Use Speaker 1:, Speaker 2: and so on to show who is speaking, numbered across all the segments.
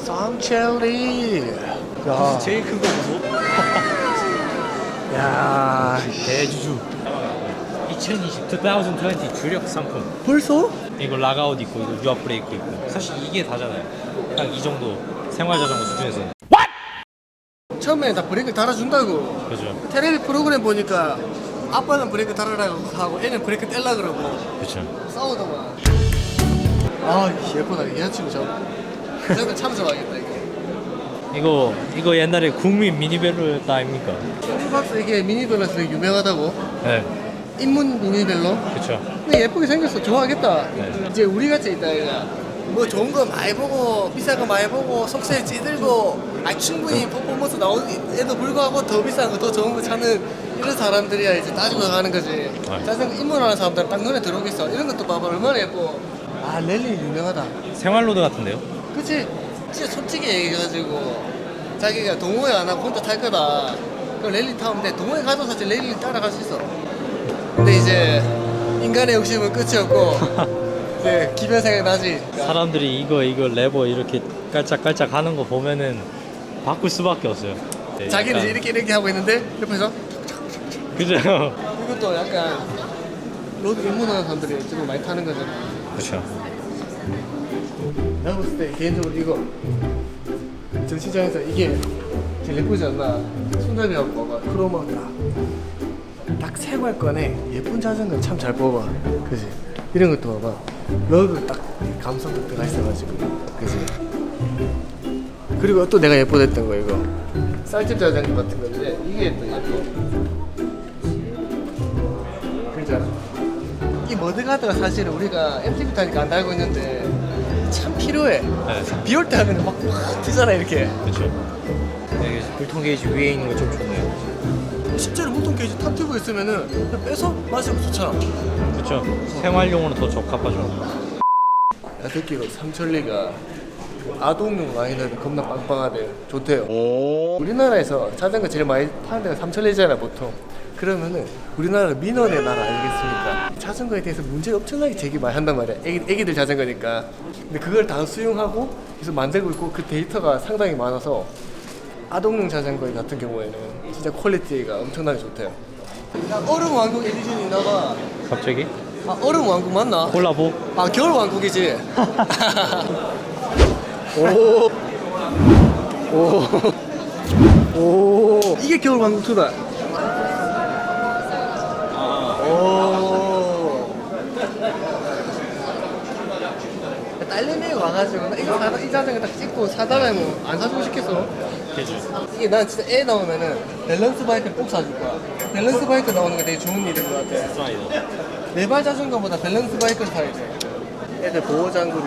Speaker 1: 삼첼리. 야,
Speaker 2: 제일 큰 거 보소.
Speaker 1: 야,
Speaker 2: 대주주. 2020 주력 상품.
Speaker 1: 벌써?
Speaker 2: 이거 락아웃 있고 이거 유압 브레이크 있고 사실 이게 다잖아요. 딱 이 정도 생활 자전거 수준에서는.
Speaker 1: 처음에 다 브레이크 달아준다고.
Speaker 2: 그죠.
Speaker 1: 테레비 프로그램 보니까 아빠는 브레이크 달으라고 하고 애는 브레이크 떼려 그러고
Speaker 2: 그쵸.
Speaker 1: 싸우더만. 아, 예쁘다. 이 여자친구 저는 참석하겠다 이거.
Speaker 2: 이거 옛날에 국민 미니벨로였다 아닙니까?
Speaker 1: 홈박스 이게 미니벨로에서 되게 유명하다고.
Speaker 2: 네.
Speaker 1: 인문 미니벨로.
Speaker 2: 그쵸.
Speaker 1: 근데 예쁘게 생겼어. 좋아하겠다.
Speaker 2: 네.
Speaker 1: 이제 우리 같이 있다 얘가. 뭐 좋은 거 많이 보고 비싼 거 많이 보고 속세 찌들고 충분히 퍼포먼스 나오는 애도 불구하고 더 비싼 거 더 좋은 거 찾는 이런 사람들이야 이제 따지고 가는 거지.
Speaker 2: 네.
Speaker 1: 자전거 입문하는 사람들은 딱 눈에 들어오겠어. 이런 것도 봐봐 얼마나 예뻐. 아, 랠리 유명하다.
Speaker 2: 생활로드 같은데요?
Speaker 1: 그치? 진짜 솔직히 얘기해가지고 자기가 동호회 안 하고 혼자 탈 거다. 그럼 랠리 타면 돼. 동호회 가도 사실 랠리 따라갈 수 있어. 근데 이제 인간의 욕심은 끝이 없고 이제 기변 생각 나지.
Speaker 2: 사람들이 이거 레버 이렇게 깔짝깔짝 하는 거 보면은 바꿀 수밖에 없어요. 네,
Speaker 1: 자기는
Speaker 2: 약간-
Speaker 1: 이제 이렇게 하고 있는데 옆에서
Speaker 2: 그죠.
Speaker 1: 이것도 약간 로드 입문하는 사람들이 지금 많이 타는 거잖아.
Speaker 2: 그쵸.
Speaker 1: 내가 봤을 때 개인적으로 이거 전시장에서 이게 제일 예쁘지 않나. 손잡이하고 봐봐. 크로마 딱 생활권에 예쁜 자전거 참 잘 뽑아. 그지? 이런 것도 봐봐. 러그 딱 감성도 들어가 있어가지고. 그지? 그리고 또 내가 예뻐했던 거 이거 쌀집 자전거 같은 건데 이게 또 예뻐. 그렇잖아. 이 머드가드가 사실은 우리가 MTB 타니까 안 달고 있는데 참 필요해.
Speaker 2: 네.
Speaker 1: 비 올 때 하면 막 튀잖아 이렇게.
Speaker 2: 그쵸. 네, 불통 게이지 위에 있는 거 좀 좋네요.
Speaker 1: 실제로 보통 게이지 탑 튜브 있으면은 그냥 빼서 마시면 좋잖아.
Speaker 2: 그쵸. 생활용으로 더 적합하죠.
Speaker 1: 야, 듣기로 삼천리가 아동용 라인업이 겁나 빵빵하대. 좋대요. 우리나라에서 자전거 제일 많이 파는 데가 삼천리잖아 보통. 그러면은 우리나라 민원의 나라 아니겠습니까? 자전거에 대해서 문제를 엄청나게 제기 많이 한단 말이야. 애기들 자전거니까. 근데 그걸 다 수용하고 계속 만들고 있고 그 데이터가 상당히 많아서 아동용 자전거 같은 경우에는 진짜 퀄리티가 엄청나게 좋대요. 야, 얼음 왕국 에디션이 나가.
Speaker 2: 갑자기?
Speaker 1: 아, 얼음 왕국 맞나?
Speaker 2: 콜라보?
Speaker 1: 아, 겨울 왕국이지. 오. 오. 오. 이게 겨울 왕국 투다. 오. 딸내미 와가지고 나 이거 이 자전거 딱 찍고 사달라면 뭐 안 사주고 싶겠어.
Speaker 2: 그죠.
Speaker 1: 이게 난 진짜 애 나오면은 밸런스 바이크 꼭 사줄 거야. 밸런스 바이크 나오는 게 되게 좋은 일인 것 같아.
Speaker 2: 스트라이더.
Speaker 1: 네발 자전거보다 밸런스 바이크를 타야 돼. 애들 보호 장구리.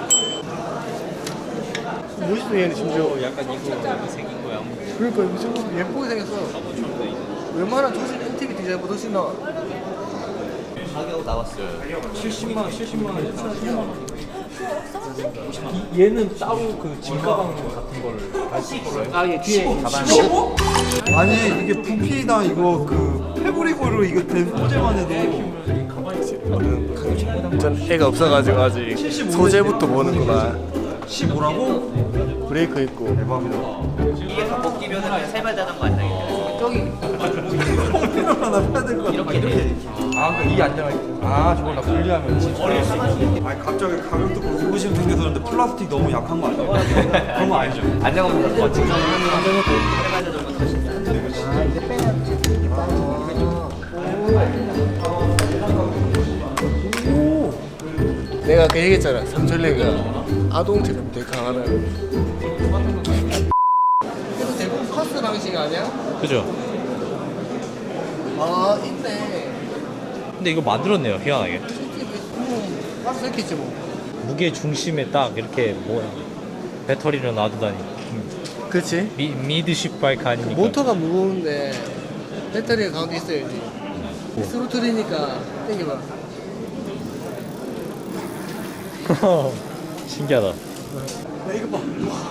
Speaker 1: 멋있어 얘는 심지어.
Speaker 2: 약간 이거 생긴 거야.
Speaker 1: 그러니까 이거 좀 예쁘게 생겼어. 웬만한 조식 MTV 디자인보다 훨씬 나와.
Speaker 2: 가격 나왔어요. 70만 원.
Speaker 3: 얘는 따로 그 짐가방 같은 걸 갈수 있어요?
Speaker 1: 아, 얘 뒤에 가방.
Speaker 3: 아니 이게 부피나 이거 그 패브릭으로 이거 된 소재만 해도
Speaker 1: 전 애가 없어가지고 아직 소재부터 보는구나.
Speaker 3: 15라고?
Speaker 1: 브레이크 있고.
Speaker 3: 대박이다.
Speaker 4: 이게 더 먹기면은 세발 자전거 안 되겠네. 저기
Speaker 3: 하나 사야 될 것 같아. 이렇게. 아 그러니까 이 안정을 저걸 다 분리하면 아니 갑자기 가격 듣고 의구심 생겨서 그런데 플라스틱 너무 약한 거 아니에요? 그런 거 아니죠?
Speaker 4: 안정은 뭐 지금
Speaker 1: 내가 그 얘기했잖아. 삼천리가 아동 제품 되게 강하다고. 그래도 대부분 파스 방식 아니야?
Speaker 2: 그죠.
Speaker 1: 아, 있네.
Speaker 2: 근데 이거 만들었네요. 희한하게.
Speaker 1: 파스 있겠지 뭐.
Speaker 2: 무게 중심에 딱 이렇게 배터리를 놔두다니.
Speaker 1: 그렇지.
Speaker 2: 미드십 바이크 아닙니까?
Speaker 1: 모터가 무거운데 배터리가 가운데 있어야지. 스로틀이니까 땡겨봐.
Speaker 2: 신기하다.
Speaker 1: 야, 이거 봐.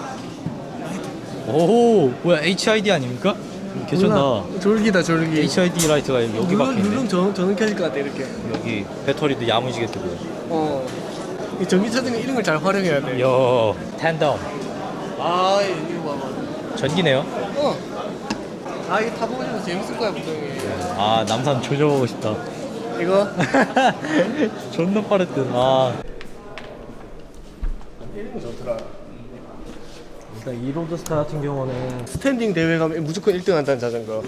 Speaker 2: 오, 뭐야 HID 아닙니까? 괜찮다.
Speaker 1: 몰라. 졸기다 졸기.
Speaker 2: HID 라이트가 여기 박혀있네.
Speaker 1: 누르면 저는 켜질 것 같아 이렇게.
Speaker 2: 여기 배터리도 야무지게 뜨고.
Speaker 1: 이 전기 차등이 이런 걸 잘 활용해야 돼.
Speaker 2: 요 텐덤.
Speaker 1: 아 이거 봐봐.
Speaker 2: 전기네요.
Speaker 1: 아 이거 타보고 싶어서 재밌을 거야 분명히.
Speaker 2: 아 남산 조져보고 싶다.
Speaker 1: 이거?
Speaker 2: 존나 빠르듯. 아.
Speaker 1: 이런 거 좋더라.
Speaker 2: 일단 이 로드스타 같은 경우는
Speaker 1: 스탠딩 대회 가면 무조건 1등 한다는 자전거.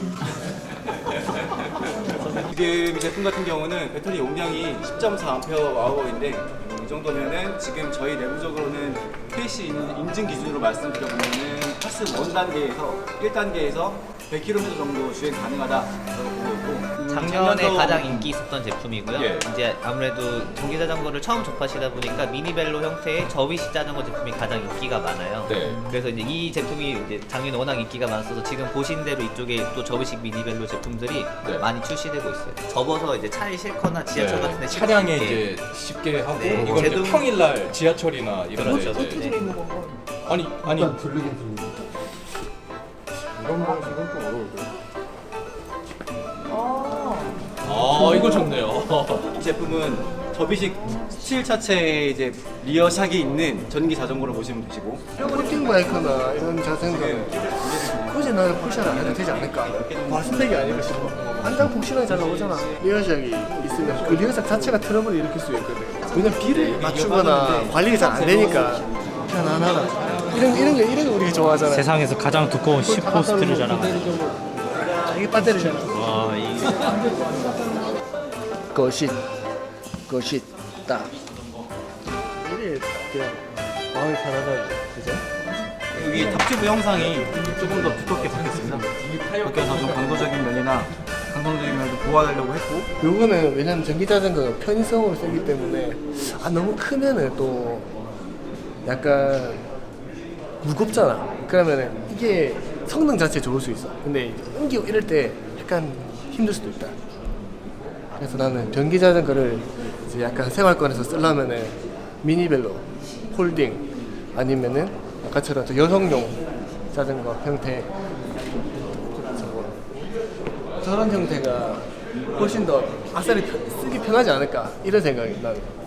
Speaker 5: 지금 이 제품 같은 경우는 배터리 용량이 10.4Ah/h인데 이 정도면은 지금 저희 내부적으로는 KC 인증 기준으로 말씀드려보면은 파스 1단계에서 1단계에서 100km 정도 주행 가능하다라고 보고 있고
Speaker 4: 작년에
Speaker 5: 작년도-
Speaker 4: 가장 인기 있었던 제품이고요.
Speaker 5: 예.
Speaker 4: 이제 아무래도 전기 자전거를 처음 접하시다 보니까 미니벨로 형태의 접이식 자전거 제품이 가장 인기가 많아요.
Speaker 5: 네.
Speaker 4: 그래서 이제 이 제품이 이제 작년에 워낙 인기가 많았어서 지금 보신 대로 이쪽에 또 접이식 미니벨로 제품들이
Speaker 5: 네.
Speaker 4: 많이 출시되고 있어요. 접어서 이제 차에 싣거나 지하철 같은 데
Speaker 6: 차량에
Speaker 4: 싣고
Speaker 6: 이제 쉽게 하고
Speaker 4: 네,
Speaker 6: 이건 이제
Speaker 4: 제동-
Speaker 6: 평일날 지하철이나 이런 데
Speaker 4: 그렇죠.
Speaker 6: 이제
Speaker 4: 네.
Speaker 6: 아니
Speaker 1: 이런 방식은 좀 어려울 거야.
Speaker 6: 아 이거 좋네요.
Speaker 5: 이 제품은 접이식 스틸 차체에 이제 리어샥이 있는 전기 자전거로 보시면 되시고
Speaker 1: 폴딩 바이크나 이런 자전거는 굳이 나는 푸시를 안 해도 되지 않을까? 과스펙이 아닐까 싶어. 한장 폭신하게 잘 나오잖아. 리어샥이 있으면 그 리어샥 자체가 트러블을 일으킬 수 있거든. 왜냐면 비를 맞추거나 관리가 잘 안 되니까 편안하다. 이런 거 우리가 좋아하잖아.
Speaker 2: 세상에서 가장 두꺼운 10호스트를 자랑하는.
Speaker 1: 이게 배터리잖아.
Speaker 2: 와, 이
Speaker 1: 것이 딱. 이래 그냥 마음이 편하다. 그죠?
Speaker 5: 여기 탑튜브 형상이 조금 더 두껍게 바뀌었습니다. 그렇게 해서 좀 강도적인 면이나 강성적인 면도 보완하려고 했고
Speaker 1: 요거는 왜냐면 전기 자전거가 편의성으로 쓰기 때문에 너무 크면은 또 약간 무겁잖아. 그러면은 이게 성능 자체 좋을 수 있어. 근데 이제 옮기고 이럴 때 약간 힘들 수도 있다. 그래서 나는 전기 자전거를 이제 약간 생활권에서 쓰려면은 미니벨로, 폴딩 아니면은 아까처럼 또 여성용 자전거 형태 저런 형태가 훨씬 더 아싸리 쓰기 편하지 않을까 이런 생각이 나는.